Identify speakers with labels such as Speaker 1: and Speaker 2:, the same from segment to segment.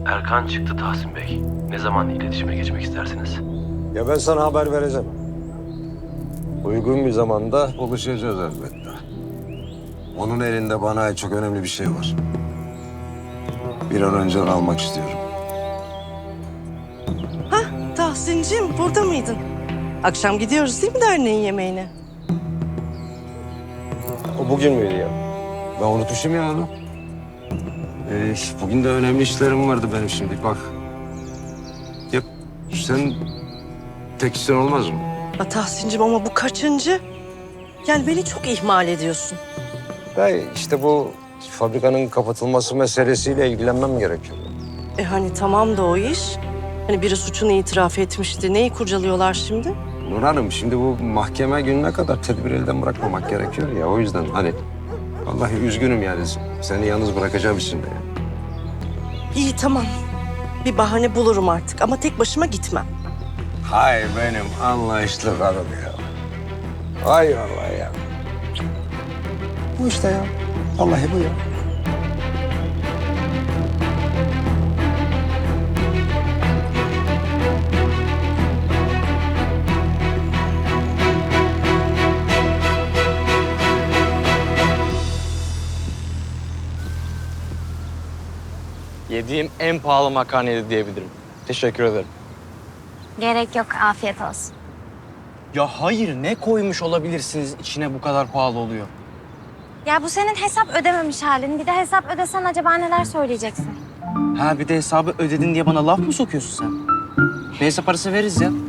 Speaker 1: Erkan çıktı Tahsin Bey. Ne zaman iletişime geçmek istersiniz?
Speaker 2: Ya ben sana haber vereceğim. Uygun bir zamanda buluşacağız elbette. Onun elinde bana ait çok önemli bir şey var. Bir an önce onu almak istiyorum.
Speaker 3: Tahsin'cim burada mıydın? Akşam gidiyoruz değil mi derneğin yemeğine?
Speaker 2: O bugün müydü ya? Ben unutmuşum ya onu. Bugün de önemli işlerim vardı benim şimdi. Bak. Ya sen tek işin olmaz mı?
Speaker 3: Tahsin'cim ama bu kaçıncı? Yani beni çok ihmal ediyorsun.
Speaker 2: İşte bu fabrikanın kapatılması meselesiyle ilgilenmem gerekiyor.
Speaker 3: Hani tamam da o iş. Hani biri suçunu itiraf etmişti. Neyi kurcalıyorlar şimdi?
Speaker 2: Nur Hanım, şimdi bu mahkeme gününe kadar tedbir elden bırakmamak gerekiyor ya. O yüzden hani vallahi üzgünüm yani. Seni yalnız bırakacağım şimdi.
Speaker 3: İyi tamam. Bir bahane bulurum artık ama tek başıma gitmem.
Speaker 2: Hay benim anlayışlı karım ya. Hay vallahi ya. Bu işte ya. Vallahi bu ya.
Speaker 4: Yediğim en pahalı makarnaydı diyebilirim. Teşekkür ederim.
Speaker 5: Gerek yok, afiyet olsun.
Speaker 4: Ya hayır, ne koymuş olabilirsiniz içine bu kadar pahalı oluyor?
Speaker 5: Ya bu senin hesap ödememiş halin. Bir de hesap ödesen acaba neler söyleyeceksin?
Speaker 4: Ha bir de hesabı ödedin diye bana laf mı sokuyorsun sen? Neyse parası veririz ya.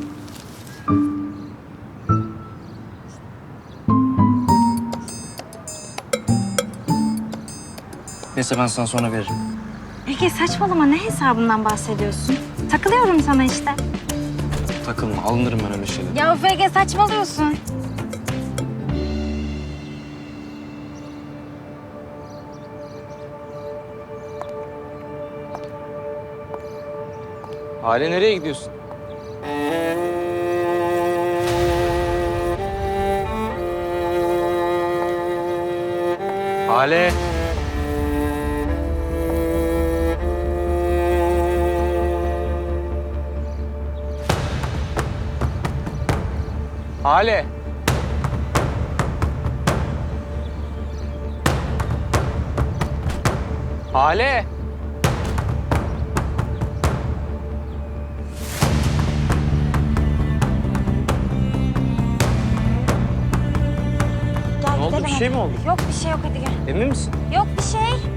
Speaker 4: Neyse ben sana sonra veririm.
Speaker 5: Peki saçmalama, ne hesabından bahsediyorsun? Takılıyorum sana işte.
Speaker 4: Takılma, alınırım ben öyle şeyler.
Speaker 5: Ya Ege saçmalıyorsun.
Speaker 4: Hale nereye gidiyorsun? Hale. Hale. Hale.
Speaker 5: Gel
Speaker 4: Ne oldu,
Speaker 5: gidelim
Speaker 4: bir şey
Speaker 5: hadi.
Speaker 4: mi oldu?
Speaker 5: Yok bir şey yok, hadi gel.
Speaker 4: Emin misin?
Speaker 5: Yok bir şey.